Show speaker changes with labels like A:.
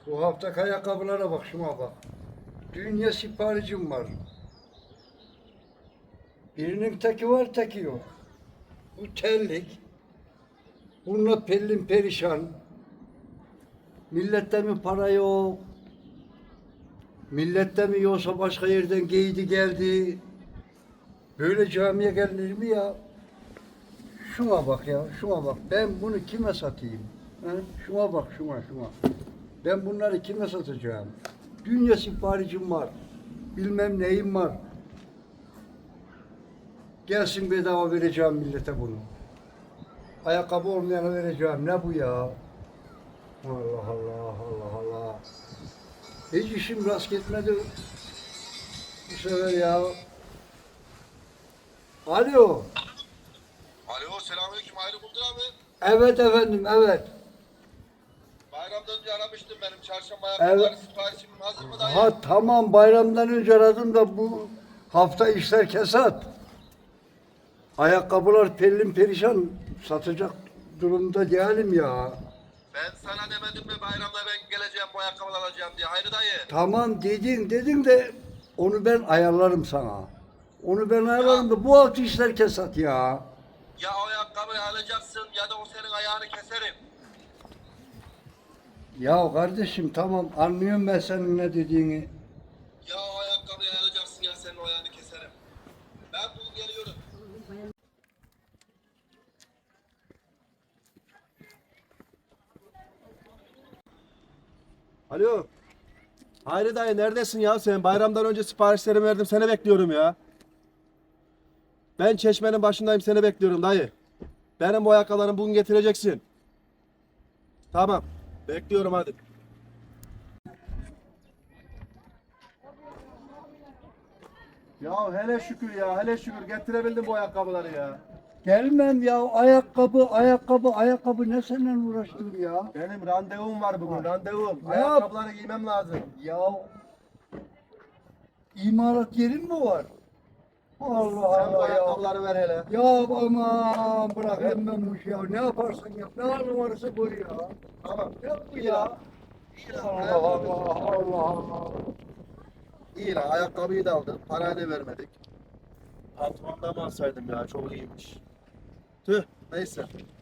A: Bu haftaki ayakkabılara bak, şuna bak. Dünya siparişim var. Birinin teki var, teki yok. Bu terlik. Bununla pelin perişan. Millette mi para yok? Millette mi yoksa başka yerden giydi geldi? Böyle camiye gelinir mi ya? Şuna bak ya, şuna bak. Ben bunu kime satayım? Ha? Şuna bak, şuna. Ben bunları kime satacağım? Dünya siparişim var. Bilmem neyim var. Gelsin bedava vereceğim millete bunu. Ayakkabı olmayana vereceğim. Ne bu ya? Allah Allah, Allah Allah. Hiç işim rast gitmedi bu sefer ya. Alo.
B: Alo, selamünaleyküm. Hayri Buldur abi.
A: Evet efendim, evet.
B: Bayramdan önce aramıştım benim. Çarşamba
A: Evet.
B: ayakkabıları siparişim hazır mı dayı?
A: Ha tamam, bayramdan önce aradım da bu hafta işler kesat. Ayakkabılar pelin perişan, satacak durumda değilim ya.
B: Ben sana demedim mi bayramda ben geleceğim bu ayakkabıları alacağım diye. Hayri dayı.
A: Tamam dedin de onu ben ayarlarım sana. Onu ben ayarlarım da bu hafta işler kesat ya.
B: Ya o ayakkabıyı alacaksın ya da o senin ayağını keserim.
A: Ya kardeşim tamam, anlıyorum ben senin ne dediğini.
B: Ya o ayakkabıyı alacaksın ya senin o ayağını keserim. Ben bugün geliyorum.
C: Alo. Hayri dayı neredesin ya sen? Bayramdan önce siparişlerimi verdim. Seni bekliyorum ya. Ben çeşmenin başındayım, seni bekliyorum dayı. Benim bu ayakkabılarımı bugün getireceksin. Tamam. Bekliyorum hadi. Ya hele şükür ya, hele şükür getirebildim bu ayakkabıları ya.
A: Gelmem ya, ayakkabı ne seninle uğraştım ya.
C: Benim randevum var bugün, randevum.
A: Ya.
C: Ayakkabıları giymem lazım.
A: Ya imalat yerin mi var? Allah
C: Sen bu
A: Allah ya.
C: ayakkabıları ver hele.
A: Ya aman bırakayım ben bu işi ya. Ne yaparsan yap. Ne numarası bu ya.
C: Tamam.
A: Yap bu ya.
C: İyi lan,
A: Allah
C: ayakkabıyı-
A: Allah Allah Allah.
C: İyi lan, ayakkabıyı da aldık. Parayı da vermedik. Patronda mı alsaydım ya, çok iyiymiş. Tüh, neyse.